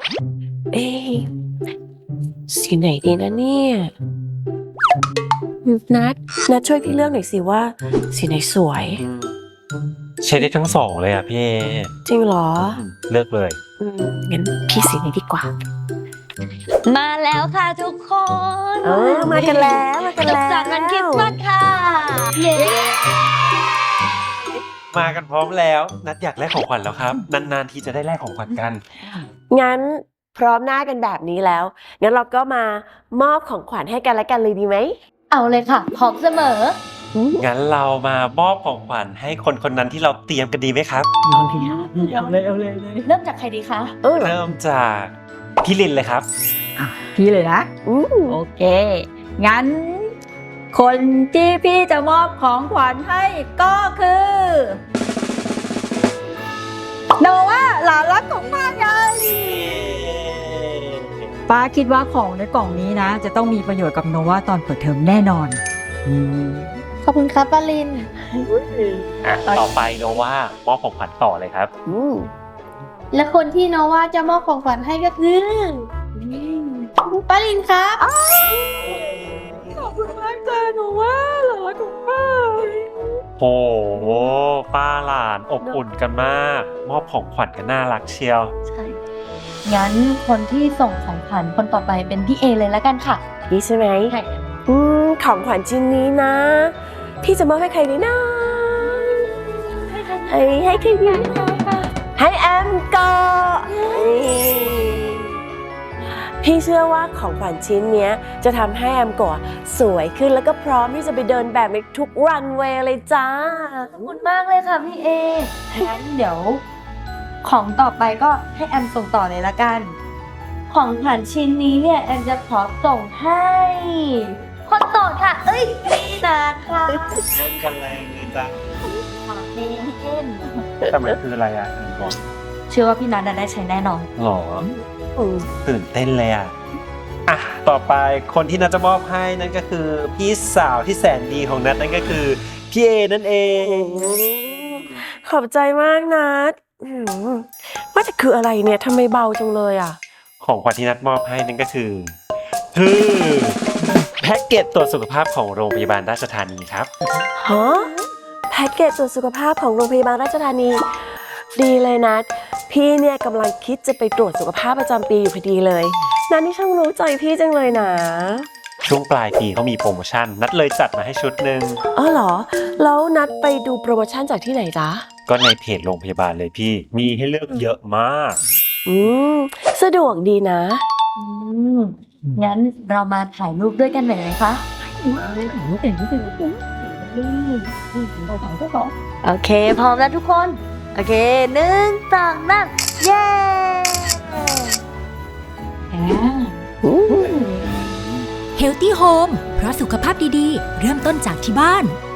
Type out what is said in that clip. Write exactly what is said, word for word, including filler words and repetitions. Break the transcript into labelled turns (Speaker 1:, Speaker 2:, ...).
Speaker 1: เอ๊ะสีไหนดีนะเนี่ยนัดนัดช่วยพี่เลือกหน่อยสิว่าสีไหนสวย
Speaker 2: ใช้ได้ทั้งสองเลยอ่ะพี่เอ
Speaker 1: จริงเหรอ
Speaker 2: เลือกเลย
Speaker 1: อืมงั้นพี่สีไหนดีกว่า
Speaker 3: มาแล้วค่ะทุกคน
Speaker 1: เออมากันแล้วมากันแล้ว
Speaker 3: สุขสันต์วันคริสต์มาสค่ะเย้
Speaker 2: มากันพร้อมแล้วนัดอยากแลกของขวัญแล้วครับนานๆทีจะได้แลกของขวัญกัน
Speaker 1: งั้นพร้อมหน้ากันแบบนี้แล้วงั้นเราก็มามอบของขวัญให้กันและกันเลยดีไหม
Speaker 3: เอาเลยค่ะพร้อมเสมอ
Speaker 2: งั้นเรามามอบของขวัญให้คนคนนั้นที่เราเตรียมกันดีไหมครับ
Speaker 3: เอาเลยเอาเลยเริ่มจากใครดีคะ
Speaker 2: เริ่มจากพี่ลินเลยครับ
Speaker 4: พี่เลยนะโอเคงั้นคนที่พี่จะมอบของขวัญให้ก็คือโนว่าหลานรักของป้าไงป้าคิดว่าของในกล่องนี้นะจะต้องมีประโยชน์กับโนวาตอนเปิดเทอมแน่นอน
Speaker 3: ขอบคุณครับป้าลิน
Speaker 2: อ่ะต่อไปโนว่ามอบของขวัญต่อเลยครับ
Speaker 3: และคนที่โนว่าจะมอบของขวัญให้ก็คือป้าลินครับ
Speaker 4: ขอบคุณมากจ้าโนว่าหลานรักของป้า
Speaker 2: โอ้โหป้าหลานอบอุ่นกันมากมอบของขวัญกันน่ารักเชียว
Speaker 3: ใช่งั้นคนที่ส่งของขวัญคนต่อไปเป็นพี่เอเลยแล้วกันค่ะ
Speaker 1: พี่ใช่ไหมใช่อืมของขวัญชิ้นนี้นะพี่จะมอบให้ใครดีนะให้ให้ใครดีให้แอมก็พี่เชื่อว่าของขวัญชิ้นนี้จะทำให้แอมโกะสวยขึ้นแล้วก็พร้อมที่จะไปเดินแบบในทุกรันเวย์เลยจ้า
Speaker 3: ขอบคุณมากเลยค่ะพี่เองั้นเดี๋ยวของต่อไปก็ให้แอมส่งต่อเลยละกันของขวัญชิ้นนี้เนี่ยแอมจะขอส่งให้คนโสดค่ะเอ้ยนี่นะคะ
Speaker 2: เล่นกันแรงเลยจ้ะ
Speaker 3: ขอบคุณพี่เอ็น
Speaker 2: แต่มันคืออะไรอ่ะบอก
Speaker 3: เชื่อว่าพี่นัทได้ใช้แน่นอน
Speaker 2: หรอตื่นเต้นเลยอ่ะอ่ะต่อไปคนที่นัทจะมอบให้นั่นก็คือพี่สาวที่แสนดีของนัทนั่นก็คือพี่เอนั่นเอง
Speaker 1: ขอบใจมากนัทว่าจะคืออะไรเนี่ยทำไมเบาจังเลยอ่ะ
Speaker 2: ของขวัญที่นัทมอบให้นั่นก็คือคือแพ็กเกจตรวจสุขภาพของโรงพยาบาลราชธานีครับ
Speaker 1: ฮะแพ็กเกจตรวจสุขภาพของโรงพยาบาลราชธานีดีเลยนัทพี่เนี่ยกำลังคิดจะไปตรวจสุขภาพประจำปีอยู่พอดีเลยนัทนี่ช่างรู้ใจพี่จังเลยนะ
Speaker 2: ช่วงปลายปีเขามีโปรโมชั่นนัทเลยจัดมาให้ชุดหนึ่ง
Speaker 1: อ๋อเหรอแล้วนัทไปดูโปรโมชั่นจากที่ไหนจ๊ะ
Speaker 2: ก็ในเพจโรงพยาบาลเลยพี่มีให้เลือกเยอะมาก
Speaker 1: อืมสะดวกดีนะ
Speaker 3: อืมงั้นเรามาถ่ายรูปด้วยกันหน่อยไหมคะโอเคพร้อมแล้วทุกคนโอเคหนึ่งสองสามเย้
Speaker 5: Healthy Home เพราะสุขภาพดีๆเริ่มต้นจากที่บ้าน